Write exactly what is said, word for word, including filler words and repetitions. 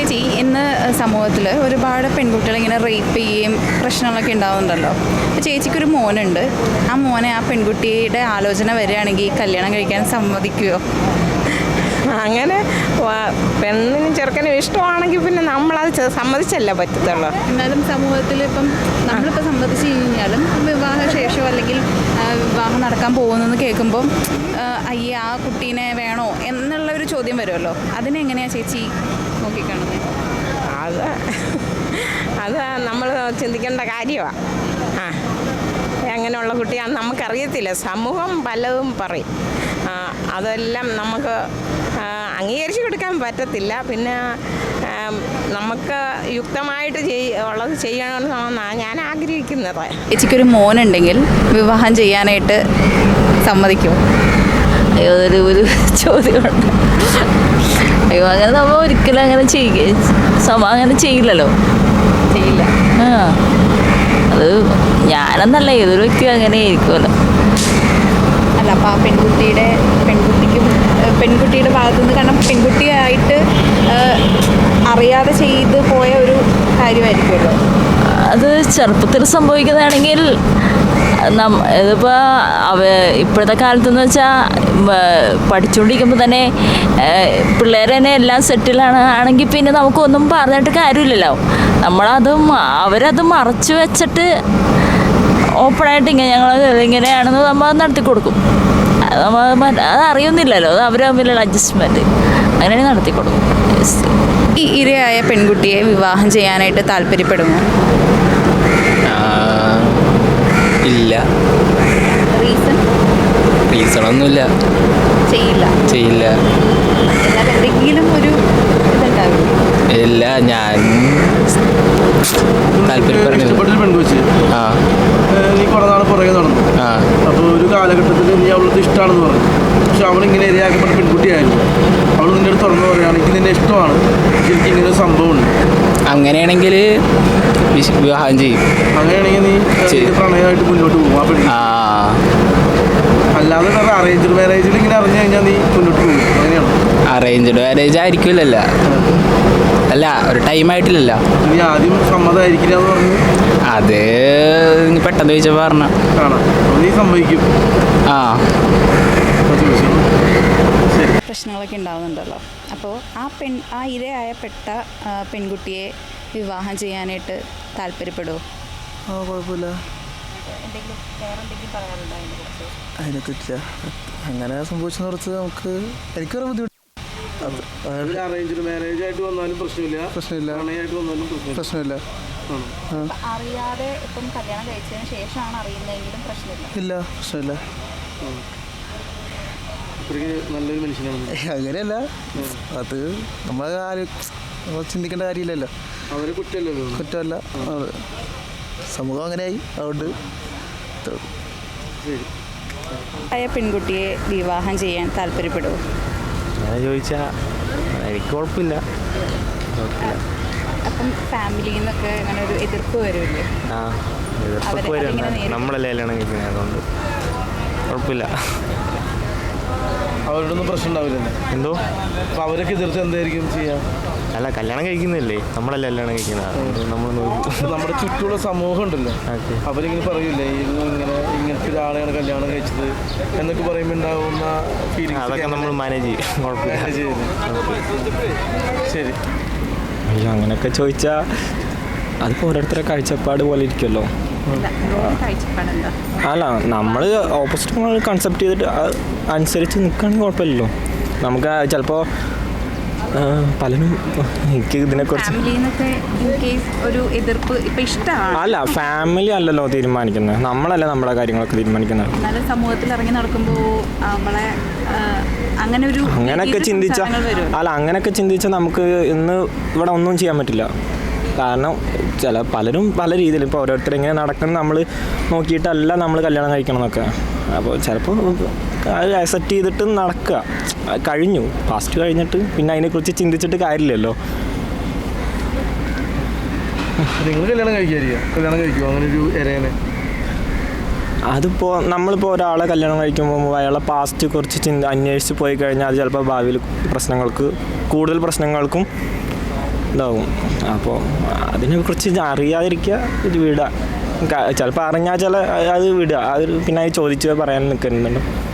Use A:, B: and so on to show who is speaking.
A: ചേച്ചി, ഇന്ന് സമൂഹത്തിൽ ഒരുപാട് പെൺകുട്ടികൾ ഇങ്ങനെ റേപ്പ് ചെയ്യുകയും പ്രശ്നങ്ങളൊക്കെ ഉണ്ടാവുന്നുണ്ടല്ലോ. അപ്പോൾ ചേച്ചിക്കൊരു മോനുണ്ട്. ആ മോനെ ആ പെൺകുട്ടിയുടെ ആലോചന വരികയാണെങ്കിൽ കല്യാണം കഴിക്കാൻ സമ്മതിക്കുമോ?
B: അങ്ങനെ പെണ്ണിനും ചെറുക്കനും ഇഷ്ടമാണെങ്കിൽ പിന്നെ നമ്മളത് സമ്മതിച്ചല്ലേ പറ്റത്തുള്ളൂ.
A: എന്നാലും സമൂഹത്തിൽ ഇപ്പം നമ്മളിപ്പോൾ സമ്മതിച്ച് കഴിഞ്ഞാലും വിവാഹശേഷമോ അല്ലെങ്കിൽ വിവാഹം നടക്കാൻ പോകുന്നെന്ന് കേൾക്കുമ്പം അയ്യേ ആ കുട്ടീനെ വേണോ എന്നുള്ള ഒരു ചോദ്യം വരുമല്ലോ. അതിനെങ്ങനെയാണ് ചേച്ചി നോക്കിക്കാണുന്നത്?
B: അത് അത് നമ്മൾ ചിന്തിക്കേണ്ട കാര്യമാണ്. ആ അങ്ങനെയുള്ള കുട്ടിയാണെന്ന് നമുക്കറിയത്തില്ല. സമൂഹം പലതും പറയും. അതെല്ലാം നമുക്ക് അംഗീകരിച്ച് കൊടുക്കാൻ പറ്റത്തില്ല. പിന്നെ നമുക്ക് യുക്തമായിട്ട് ചെയ് ഉള്ളത് ചെയ്യണമെന്നാണ് ഞാൻ ആഗ്രഹിക്കുന്നത്.
A: ചേച്ചിക്കൊരു മോനുണ്ടെങ്കിൽ വിവാഹം ചെയ്യാനായിട്ട് സമ്മതിക്കുമോ?
C: അയ്യോ, അതൊരു ഒരു ചോദ്യമുണ്ട്. അയ്യോ, അങ്ങനെ നമ്മൾ ഒരിക്കലും അങ്ങനെ ചെയ്യുക സമ അങ്ങനെ ചെയ്യില്ലല്ലോ.
A: ചെയ്യില്ല.
C: ആ അത് ഞാനെന്നല്ല, ഏതൊരു വ്യക്തിയും അങ്ങനെ ആയിരിക്കുമല്ലോ.
A: അല്ല, അപ്പോൾ ആ പെൺകുട്ടിയുടെ പെൺകുട്ടിക്ക് പെൺകുട്ടിയുടെ ഭാഗത്തുനിന്ന്, കാരണം പെൺകുട്ടിയായിട്ട് അറിയാതെ ചെയ്ത് പോയ ഒരു കാര്യമായിരിക്കുമല്ലോ.
C: അത് ചെറുപ്പത്തിൽ സംഭവിക്കുന്നതാണെങ്കിൽ ഇതിപ്പോൾ അവ ഇപ്പോഴത്തെ കാലത്തെന്ന് വെച്ചാൽ പഠിച്ചുകൊണ്ടിരിക്കുമ്പോൾ തന്നെ പിള്ളേർ തന്നെ എല്ലാം സെറ്റിലാണ് ആണെങ്കിൽ പിന്നെ നമുക്കൊന്നും പറഞ്ഞിട്ട് കാര്യമില്ലല്ലോ. നമ്മളത് അവരത് മറച്ചു വെച്ചിട്ട് ഓപ്പണായിട്ട് ഇങ്ങനെ ഞങ്ങൾ ഇങ്ങനെയാണെന്ന് നമ്മൾ നടത്തി കൊടുക്കും. അത് നമ്മൾ അത് അറിയുന്നില്ലല്ലോ. അത് അവർ തമ്മിലുള്ള അഡ്ജസ്റ്റ്മെൻറ്റ് അങ്ങനെ നടത്തി കൊടുക്കും.
A: ഈ ഇരയായ പെൺകുട്ടിയെ വിവാഹം ചെയ്യാനായിട്ട് താല്പര്യപ്പെടുമോ?
D: ഇല്ല.
A: റീസൺ?
D: റീസണൊന്നുമില്ല.
A: ചെയ്യില്ല.
D: ചെയ്യില്ല.
A: എന്നാൽ എന്തെങ്കിലും ഒരു ഇതുണ്ടാവില്ല.
D: ഇല്ല, ഞാൻ
E: ഇഷ്ടപ്പെട്ടൊരു പെൺകുച്ചി
D: ആ
E: നീ കുറെ നാൾ പുറകെ നടന്നു.
D: ആ
E: അപ്പോൾ ഒരു കാലഘട്ടത്തിൽ നീ അവൾക്ക് ഇഷ്ടമാണെന്ന് പറഞ്ഞു. പക്ഷെ അവളിങ്ങനെ ഇരയാക്കപ്പെട്ട പെൺകുട്ടിയായിരുന്നു. അവൾ നിൻ്റെ അടുത്ത് തുറന്നു പറയുകയാണെങ്കിൽ നിന്നെ ഇഷ്ടമാണ്, എനിക്ക് ഇങ്ങനെ ഒരു സംഭവമുണ്ട്.
D: അങ്ങനെയാണെങ്കിൽ വിവാഹം ചെയ്യും.
E: അങ്ങനെയാണെങ്കിൽ നീ പ്രണയമായിട്ട് മുന്നോട്ട് പോകും ആ പെൺകുട്ടി.
D: ആ
E: അല്ലാതെ വേറെ അറേഞ്ച്ഡ് മാരേജിൽ ഇങ്ങനെ അറിഞ്ഞു കഴിഞ്ഞാൽ നീ മുന്നോട്ട് പോകും. അങ്ങനെയാണ്.
D: അറേഞ്ച്ഡ് മാരേജ് ആയിരിക്കില്ലല്ലോ. അല്ല, ഒരു ടൈം ആയിട്ടില്ലല്ലോ.
E: നീ ആദ്യം സമ്മതമായിരിക്കില്ല എന്ന് പറഞ്ഞു.
D: അത് പെട്ടെന്ന് ചോദിച്ചപ്പോൾ പറഞ്ഞ
E: കാണാം. നീ സമ്മതിക്കും.
D: ആ
A: പ്രശ്നങ്ങളൊക്കെ ഉണ്ടാകുന്നുണ്ടല്ലോ. അപ്പോൾ ആ പെൺ ആ ഇരയായപ്പെട്ട പെൺകുട്ടിയെ വിവാഹം ചെയ്യാനായിട്ട് താല്പര്യപ്പെടുമോ?
F: ആ കുഴപ്പമില്ല.
A: എന്തെങ്കിലും വേറെ എന്തെങ്കിലും പറയാറുണ്ടോ അതിനെക്കുറിച്ച്?
F: അതിനെക്കുറിച്ച് അങ്ങനെ സംഭവിച്ചെന്ന് കുറിച്ച് നമുക്ക് എനിക്കൊരു ബുദ്ധിമുട്ട്.
E: അറേഞ്ച്ഡ് മാരേജ് ആയിട്ട് വന്നാലും പ്രശ്നമില്ല.
F: പ്രശ്നമില്ല.
E: പ്രണയമായിട്ട് വന്നാലും പ്രശ്നമില്ല.
A: അറിയാതെ ഇപ്പം കല്യാണം കഴിച്ചതിന് ശേഷമാണ് അറിയുന്നതെങ്കിലും പ്രശ്നമില്ല.
F: ഇല്ല, പ്രശ്നമില്ല.
E: നല്ലൊരു മനുഷ്യനാണ്.
F: അങ്ങനെയല്ല, അത് നമ്മൾ ആരും ചിന്തിക്കേണ്ട കാര്യമില്ലല്ലോ.
E: അവരെ കുറ്റമല്ലല്ലോ.
F: കുറ്റമല്ല, സമൂഹം അങ്ങനെയായി. അതുകൊണ്ട്
A: ആയ പെൺകുട്ടിയെ വിവാഹം ചെയ്യാൻ താല്പര്യപ്പെടുമോ?
G: അങ്ങനെ ചോദിച്ചാൽ എനിക്ക് കുഴപ്പമില്ല.
A: അപ്പം ഫാമിലിയിൽ നിന്നൊക്കെ അങ്ങനെ ഒരു എതിർപ്പ് വരുമല്ലേ?
G: ആ എതിർപ്പൊക്കെ വരും. നമ്മളല്ലേ കല്യാണം കഴിക്കുന്നത്, അതുകൊണ്ട് കുഴപ്പമില്ല.
E: അവരോടൊന്നും പ്രശ്നം ഉണ്ടാവില്ലല്ലേ?
G: എന്തോ
E: അപ്പോൾ അവരൊക്കെ എതിർത്ത് എന്തായിരിക്കും ചെയ്യാം?
G: അല്ല, കല്യാണം കഴിക്കുന്നില്ലേ, നമ്മളല്ലേ കല്യാണം കഴിക്കുന്നത്. നമ്മൾ
E: നമ്മുടെ ചുറ്റുമുള്ള സമൂഹം ഉണ്ടല്ലോ, അവരിങ്ങനെ പറയൂലേ ഇങ്ങനെ ഇങ്ങനത്തെ ഒരാളെയാണ് കല്യാണം കഴിച്ചത് എന്നൊക്കെ പറയുമ്പോൾ ഉണ്ടാവുന്ന ഫീലിംഗ്
G: അതൊക്കെ നമ്മൾ മാനേജ് ചെയ്യും. കുഴപ്പമില്ല.
E: ശരി.
G: അയ്യോ, അങ്ങനെയൊക്കെ ചോദിച്ചാൽ അതിപ്പോൾ ഓരോരുത്തരുടെ കാഴ്ചപ്പാട് പോലെ ഇരിക്കുമല്ലോ. അല്ല, നമ്മൾ ഓപ്പോസിറ്റ് കൺസെപ്റ്റ് ചെയ്തിട്ട് അനുസരിച്ച് നിൽക്കുകയാണെങ്കിൽ കുഴപ്പമില്ലല്ലോ. നമുക്ക് ചിലപ്പോൾ പലരും എനിക്ക് ഇതിനെക്കുറിച്ച്
A: ഒരു എതിർപ്പ് ഇപ്പം ഇഷ്ടമാണ്.
G: അല്ല, ഫാമിലി അല്ലല്ലോ തീരുമാനിക്കുന്നത്, നമ്മളല്ലേ നമ്മുടെ കാര്യങ്ങളൊക്കെ തീരുമാനിക്കുന്നത്.
A: സമൂഹത്തിൽ ഇറങ്ങി നടക്കുമ്പോൾ നമ്മളെ അങ്ങനെ ഒരു
G: അങ്ങനെയൊക്കെ ചിന്തിച്ചാൽ അല്ല അങ്ങനെയൊക്കെ ചിന്തിച്ചാൽ നമുക്ക് ഇന്ന് ഇവിടെ ഒന്നും ചെയ്യാൻ പറ്റില്ല. കാരണം ചില പലരും പല രീതിയിൽ ഇപ്പോൾ ഓരോരുത്തർ ഇങ്ങനെ നടക്കുന്നത് നമ്മൾ നോക്കിയിട്ടല്ല നമ്മൾ കല്യാണം കഴിക്കണം എന്നൊക്കെ. അപ്പോൾ ചിലപ്പോൾ അത് അക്സെപ്റ്റ് ചെയ്തിട്ട് നടക്കുക. കഴിഞ്ഞു, ഫാസ്റ്റ് കഴിഞ്ഞിട്ട് പിന്നെ അതിനെക്കുറിച്ച് ചിന്തിച്ചിട്ട് കാര്യമില്ലല്ലോ.
E: നിങ്ങൾ കല്യാണം കഴിക്കാതിരിക്കുക കല്യാണം കഴിക്കുമോ അങ്ങനെ ഒരു ഇരേനെ?
G: അതിപ്പോൾ നമ്മളിപ്പോൾ ഒരാളെ കല്യാണം കഴിക്കുമ്പോൾ അയാളെ പാസ്റ്റ് കുറച്ച് ചിന്ത അന്വേഷിച്ച് പോയി കഴിഞ്ഞാൽ അത് ചിലപ്പോൾ ഭാവിയിൽ പ്രശ്നങ്ങൾക്ക് കൂടുതൽ പ്രശ്നങ്ങൾക്കും ഇതാവും. അപ്പോൾ അതിനെക്കുറിച്ച് അറിയാതിരിക്കുക ഇത് വിടുക. ചിലപ്പോൾ അറിഞ്ഞാൽ ചില അത് വിടുക. അത് പിന്നെ അത് ചോദിച്ച് പറയാൻ നിൽക്കുന്നുണ്ട്.